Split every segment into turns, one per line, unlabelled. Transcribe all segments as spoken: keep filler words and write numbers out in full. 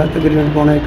ਤਕਰੀਬਨ ਪੌਣਾ ਇੱਕ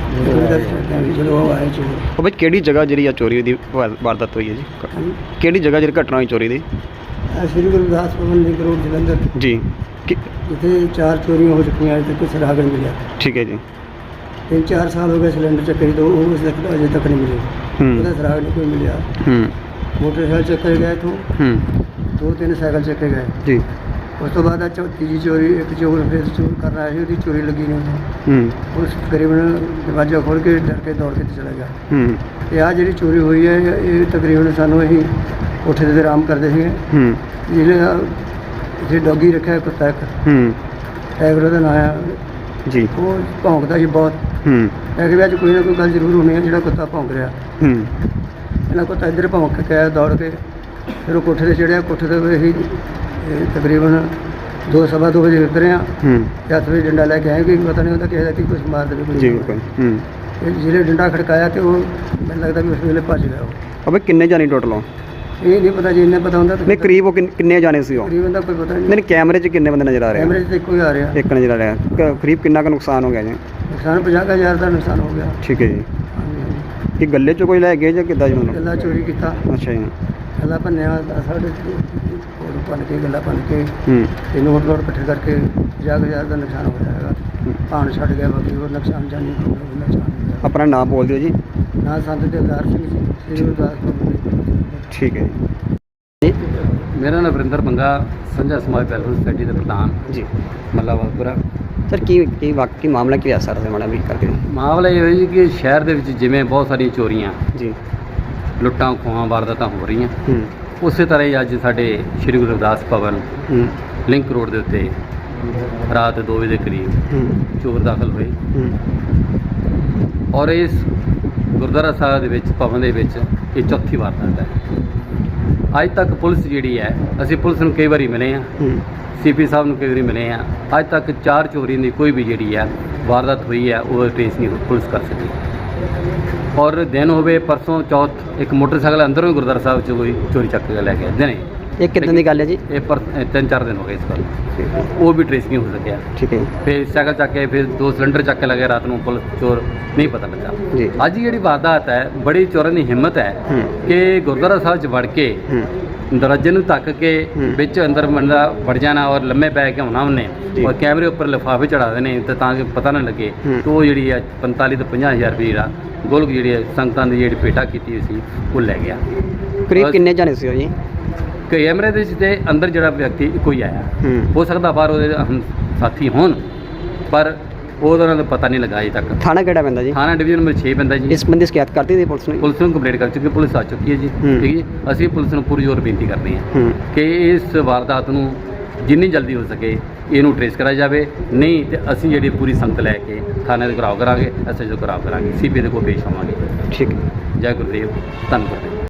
ਜਦੋਂ ਉਹ ਆਏ ਚੋਰ।
ਉਹ ਬਈ ਕਿਹੜੀ ਜਗ੍ਹਾ ਜਿਹੜੀ ਆ ਚੋਰੀ ਦੀ ਵਾ- ਵਾਰਦਾਤ ਹੋਈ ਹੈ ਜੀ?
ਹਾਂਜੀ,
ਕਿਹੜੀ ਜਗ੍ਹਾ ਜਿਹੜੀ ਘਟਨਾ ਹੋਈ ਚੋਰੀ ਦੀ?
ਇਹ ਸ੍ਰੀ ਗੁਰੂ ਰਵਿਦਾਸ ਭਵਨ ਲਿੰਕ ਰੋਡ ਜਲੰਧਰ,
ਜੀ ਕਿ-
ਜਿੱਥੇ ਚਾਰ ਚੋਰੀਆਂ ਹੋ ਚੁੱਕੀਆਂ, ਅਜੇ ਤੱਕ ਕੋਈ ਸੁਰਾਗ ਨਹੀਂ ਮਿਲਿਆ।
ਠੀਕ ਹੈ ਜੀ।
ਤਿੰਨ ਚਾਰ ਸਾਲ ਹੋ ਗਏ ਸਿਲੰਡਰ ਚੱਕੇ ਤੋਂ, ਉਹ ਅਜੇ ਤੱਕ ਅਜੇ ਤੱਕ ਨਹੀਂ ਮਿਲੇ।
ਹੂੰ
ਉਹਦਾ ਸੁਰਾਗ ਨਹੀਂ ਕੋਈ ਮਿਲਿਆ।
ਹੂੰ
ਮੋਟਰਸਾਈਕਲ ਚੱਕੇ ਗਏ ਤੋਂ
ਹੂੰ
ਦੋ ਤਿੰਨ ਸਾਈਕਲ ਚੱਕੇ ਗਏ।
ਜੀ
ਉਸ ਤੋਂ ਬਾਅਦ ਆ ਚੌ- ਤੀਜੀ ਚੋਰੀ, ਇੱਕ ਚੋਰ ਫਿਰ ਚੋਰ ਕਰਨ ਆਇਆ ਸੀ, ਉਹਦੀ ਚੋਰੀ ਲੱਗੀ ਨਹੀਂ ਉਹਨੂੰ।
ਹੂੰ
ਉਸ ਤਕਰੀਬਨ ਦਰਵਾਜ਼ਾ ਖੋਲ੍ਹ ਕੇ ਡਰ ਕੇ ਦੌੜ ਕੇ ਤੇ ਚਲਾ ਗਿਆ।
ਹੂੰ
ਤੇ ਆਹ ਜਿਹੜੀ ਚੋਰੀ ਹੋਈ ਹੈ, ਇਹ ਤਕਰੀਬਨ ਸਾਨੂੰ ਅਸੀਂ ਉੱਥੇ ਦੇ ਆਰਾਮ ਕਰਦੇ ਸੀਗੇ।
ਹੂੰ
ਜਿਹੜੇ ਇੱਥੇ ਡੌਗੀ ਰੱਖਿਆ ਕੁੱਤਾ ਇੱਕ,
ਹੂੰ
ਟਾਈਗਰ ਉਹਦਾ ਨਾਂ ਆ,
ਜੀ
ਉਹ ਭੌਂਕਦਾ ਸੀ ਬਹੁਤ।
ਹੂੰ
ਮੈਂ ਕਿਹਾ ਵੀ ਅੱਜ ਕੋਈ ਨਾ ਕੋਈ ਗੱਲ ਜ਼ਰੂਰ ਹੋਣੀ ਹੈ, ਜਿਹੜਾ ਕੁੱਤਾ ਭੌਂਕ ਰਿਹਾ।
ਹੂੰ
ਇਹਨਾਂ ਕੁੱਤਾ ਇੱਧਰ ਭੌਂਕ ਕੇ ਆਇਆ ਦੌੜ ਕੇ, ਫਿਰ ਉਹ ਕੋਠੇ 'ਤੇ ਚੜ੍ਹਿਆ। ਕੋਠੇ 'ਤੇ ਅਸੀਂ ਇਹ ਤਕਰੀਬਨ ਦੋ ਸਵਾ ਦੋ ਵਜੇ ਉਤਰੇ ਹਾਂ।
ਹੂੰ
ਤੇ ਹੱਥ ਵਿੱਚ ਡੰਡਾ ਲੈ ਕੇ ਆਏ ਕਿ ਪਤਾ ਨਹੀਂ ਹੁੰਦਾ ਕਿਸੇ ਦਾ ਕੀ ਕੁਛ ਮਾਰ ਦੇਵੇ ਕੋਈ।
ਜੀ ਬਿਲਕੁਲ। ਹੂੰ
ਤੇ ਜਿਹੜੇ ਡੰਡਾ ਖੜਕਾਇਆ ਤੇ ਉਹ ਮੈਨੂੰ ਲੱਗਦਾ ਵੀ ਉਸ ਵੇਲੇ ਭੱਜ ਗਿਆ ਉਹ।
ਉਹ ਬਈ ਕਿੰਨੇ ਜਾਣੇ ਟੋਟਲ ਹੋ?
ਇਹ ਨਹੀਂ ਪਤਾ, ਜੇ ਇੰਨੇ ਪਤਾ ਹੁੰਦਾ ਤਾਂ
ਨਹੀਂ ਕਰੀਬ ਉਹ ਕਿੰਨ- ਕਿੰਨੇ ਜਾਣੇ ਸੀ ਉਹ?
ਤਕਰੀਬਨ ਦਾ ਕੋਈ ਪਤਾ ਨਹੀਂ।
ਨਹੀਂ ਕੈਮਰੇ 'ਚ ਕਿੰਨੇ ਬੰਦੇ ਨਜ਼ਰ ਆ ਰਹੇ ਆ?
ਕੈਮਰੇ 'ਚ ਤਾਂ ਇੱਕੋ ਹੀ ਆ ਰਿਹਾ।
ਇੱਕ ਨਜ਼ਰ ਆ ਰਿਹਾ। ਕ- ਕਰੀਬ ਕਿੰਨਾ ਕੁ ਨੁਕਸਾਨ ਹੋ ਗਿਆ ਜੀ?
ਨੁਕਸਾਨ ਪੰਜਾਹ ਕੁ ਹਜ਼ਾਰ ਦਾ ਨੁਕਸਾਨ ਹੋ ਗਿਆ।
ਠੀਕ ਹੈ ਜੀ।
ਹਾਂਜੀ, ਹਾਂਜੀ।
ਕਿ ਗੱਲੇ 'ਚ ਕੋਈ ਲੈ ਗਏ ਜਾਂ ਕਿੱਦਾਂ ਜੀ ਮਤਲਬ?
ਗੱਲਾ ਚੋਰੀ ਕੀਤਾ,
ਅੱਛਾ ਜੀ।
ਗੱਲਾ ਭੰਨਿਆ, ਸਾਡੇ ਕੋਲ ਭੰਨ ਕੇ ਗੱਲਾ ਭੰਨ ਕੇ
ਹੂੰ
ਤੇ ਨੋਟ ਨੋਟ ਇਕੱਠੇ ਕਰਕੇ ਪੰਜਾਹ ਕੁ ਹਜ਼ਾਰ ਦਾ ਨੁਕਸਾਨ ਹੋ ਜਾਏਗਾ। ਭਾਣ ਛੱਡ ਗਿਆ, ਬਾਕੀ ਹੋਰ ਨੁਕਸਾਨ ਜਾਨੀ ਕੋਈ ਨੁਕਸਾਨ ਨਹੀਂ ਹੋਇਆ।
ਆਪਣਾ ਨਾਮ ਬੋਲ ਦਿਓ ਜੀ।
ਨਾ ਸੰਤ ਦਿਲਦਾਰ ਸਿੰਘ ਜੀ, ਸ੍ਰੀ ਗੁਰਦਾਸ ਭਵਨ।
ਠੀਕ ਹੈ ਜੀ।
ਮੇਰਾ ਨਾਮ ਵਰਿੰਦਰ ਬੰਗਾ, ਸੰਝਾ ਸਮਾਜ ਵੈਲਫੇਅਰ ਸੁਸਾਇਟੀ ਦੇ ਪ੍ਰਧਾਨ,
ਜੀ
ਮੱਲਾ ਵਾਲਪੁਰਾ।
ਸਰ ਕੀ ਕੀ ਵਾਕਈ ਮਾਮਲਾ ਕੀ ਹੈ ਸਰ ਦੇ ਮਾੜਾ ਵੀ ਕਰਕੇ?
ਮਾਮਲਾ ਇਹ ਹੋਇਆ ਜੀ ਕਿ ਸ਼ਹਿਰ ਦੇ ਵਿੱਚ ਜਿਵੇਂ ਬਹੁਤ ਸਾਰੀਆਂ ਚੋਰੀਆਂ,
ਜੀ
ਲੁੱਟਾਂ ਖੋਹਾਂ, ਵਾਰਦਾਤਾਂ ਹੋ ਰਹੀਆਂ,
ਹੂੰ
ਉਸੇ ਤਰ੍ਹਾਂ ਹੀ ਅੱਜ ਸਾਡੇ ਸ੍ਰੀ ਗੁਰੂ ਰਵਿਦਾਸ ਭਵਨ
ਹੂੰ
ਲਿੰਕ ਰੋਡ ਦੇ ਉੱਤੇ ਰਾਤ ਦੋ ਵਜੇ ਦੇ ਕਰੀਬ
ਹੂੰ
ਚੋਰ ਦਾਖਲ ਹੋਏ
ਹੂੰ
ਔਰ ਇਸ ਗੁਰਦੁਆਰਾ ਸਾਹਿਬ ਦੇ ਵਿੱਚ, ਭਵਨ ਦੇ ਵਿੱਚ ਇਹ ਚੌਥੀ ਵਾਰਦਾਤ ਹੈ। ਅੱਜ ਤੱਕ ਪੁਲਿਸ ਜਿਹੜੀ ਹੈ, ਅਸੀਂ ਪੁਲਿਸ ਨੂੰ ਕਈ ਵਾਰੀ ਮਿਲੇ ਹਾਂ,
ਹੂੰ
ਸੀ ਪੀ ਸਾਹਿਬ ਨੂੰ ਕਈ ਵਾਰੀ ਮਿਲੇ ਹਾਂ, ਅੱਜ ਤੱਕ ਚਾਰ ਚੋਰੀ ਦੀ ਕੋਈ ਵੀ ਜਿਹੜੀ ਹੈ ਵਾਰਦਾਤ ਹੋਈ ਹੈ ਉਹ ਟ੍ਰੇਸ ਨਹੀਂ ਪੁਲਿਸ ਕਰ ਸਕੀ। ਔਰ ਦਿਨ ਹੋਵੇ ਪਰਸੋਂ ਚੌਥ, ਇੱਕ ਮੋਟਰਸਾਈਕਲ ਅੰਦਰੋਂ ਹੀ ਗੁਰਦੁਆਰਾ ਸਾਹਿਬ 'ਚ ਕੋਈ ਚੋਰੀ ਚੱਕ ਕੇ ਲੈ ਗਿਆ ਦਿਨੇ।
ਇਹ ਕਿੱਦਾਂ ਦੀ ਗੱਲ ਹੈ ਜੀ?
ਇਹ ਪਰ ਇਹ ਤਿੰਨ ਚਾਰ ਦਿਨ ਹੋ ਗਏ ਇਸ ਗੱਲ, ਉਹ ਵੀ ਟ੍ਰੇਸ ਨਹੀਂ ਹੋ ਸਕਿਆ।
ਠੀਕ ਹੈ ਜੀ।
ਫਿਰ ਸਾਈਕਲ ਚੱਕ ਕੇ, ਫਿਰ ਦੋ ਸਿਲੰਡਰ ਚੱਕ ਕੇ ਲੱਗੇ ਰਾਤ ਨੂੰ, ਪੁਲਿਸ ਚੋਰ ਨਹੀਂ ਪਤਾ ਲੱਗਾ।
ਜੀ
ਅੱਜ ਜਿਹੜੀ ਵਾਰਦਾਤ ਹੈ, ਬੜੀ ਚੋਰਾਂ ਦੀ ਹਿੰਮਤ ਹੈ
ਹੂੰ
ਕਿ ਗੁਰਦੁਆਰਾ ਸਾਹਿਬ 'ਚ ਵੜ ਕੇ
ਹੂੰ
ਦਰਵਾਜ਼ੇ ਨੂੰ ਧੱਕ ਕੇ
ਹੂੰ।
ਵਿੱਚ ਅੰਦਰ ਬੰਦਾ ਵੜ ਜਾਣਾ ਔਰ ਲੰਮੇ ਪੈ ਕੇ ਆਉਣਾ ਉਹਨੇ,
ਜੀ।
ਔਰ ਕੈਮਰੇ ਉੱਪਰ ਲਿਫਾਫੇ ਚੜਾ ਦੇਣੇ ਤੇ ਤਾਂ ਕਿ ਪਤਾ ਨਾ ਲੱਗੇ।
ਹੂੰ।
ਤੇ ਉਹ ਜਿਹੜੀ ਹੈ ਪੰਤਾਲੀ ਤੋਂ ਪੰਜਾਹ ਹਜ਼ਾਰ ਰੁਪਏ ਜਿਹੜਾ ਗੋਲਕ ਜਿਹੜੀ ਹੈ ਸੰਗਤਾਂ ਦੀ ਜਿਹੜੀ ਭੇਟਾ ਕੀਤੀ ਹੋਈ ਸੀ ਉਹ ਲੈ ਗਿਆ।
ਕਰੀਬ ਕਿੰਨੇ ਜਾਣੇ ਸੀ ਉਹ ਜੀ?
ਕੈਮਰੇ ਦੇ ਵਿੱਚ ਤੇ ਅੰਦਰ ਜਿਹੜਾ ਵਿਅਕਤੀ ਕੋਈ ਆਇਆ,
ਹੂੰ
ਹੋ ਸਕਦਾ ਬਾਹਰ ਉਹਦੇ ਹਮ ਸਾਥੀ ਹੋਣ, ਪਰ ਉਹਦਾ ਉਹਨਾਂ ਦਾ ਪਤਾ ਨਹੀਂ ਲੱਗਾ ਅਜੇ ਤੱਕ।
ਥਾਣਾ ਕਿਹੜਾ ਪੈਂਦਾ ਜੀ?
ਥਾਣਾ ਡਿਵੀਜ਼ਨ ਨੰਬਰ ਛੇ ਪੈਂਦਾ ਜੀ।
ਇਸ ਬੰਦੇ ਸ਼ਿਕਾਇਤ ਕਰਤੀ ਸੀ ਪੁਲਿਸ ਨੇ?
ਪੁਲਿਸ ਨੂੰ ਕੰਪਲੇਂਟ ਕਰ ਚੁੱਕੀ, ਪੁਲਿਸ ਆ ਚੁੱਕੀ ਹੈ ਜੀ।
ਹੂੰ।
ਠੀਕ ਹੈ ਜੀ। ਅਸੀਂ ਪੁਲਿਸ ਨੂੰ ਪੂਰੀ ਜ਼ੋਰ ਬੇਨਤੀ ਕਰਦੇ ਹਾਂ
ਹੂੰ
ਕਿ ਇਸ ਵਾਰਦਾਤ ਨੂੰ ਜਿੰਨੀ ਜਲਦੀ ਹੋ ਸਕੇ ਇਹਨੂੰ ਟ੍ਰੇਸ ਕਰਾਇਆ ਜਾਵੇ, ਨਹੀਂ ਤੇ ਅਸੀਂ ਜਿਹੜੀ ਪੂਰੀ ਸੰਗਤ ਲੈ ਕੇ ਥਾਣੇ ਦੇ ਘਰਾਓ ਕਰਾਂਗੇ, ਐਸ ਐਚ ਓ ਘਰਾਓ ਕਰਾਂਗੇ, ਸੀ ਪੀ ਦੇ ਕੋਲ ਪੇਸ਼ ਹੋਵਾਂਗੇ।
ਠੀਕ ਹੈ।
ਜੈ ਗੁਰਦੇਵ, ਧੰਨਵਾਦ।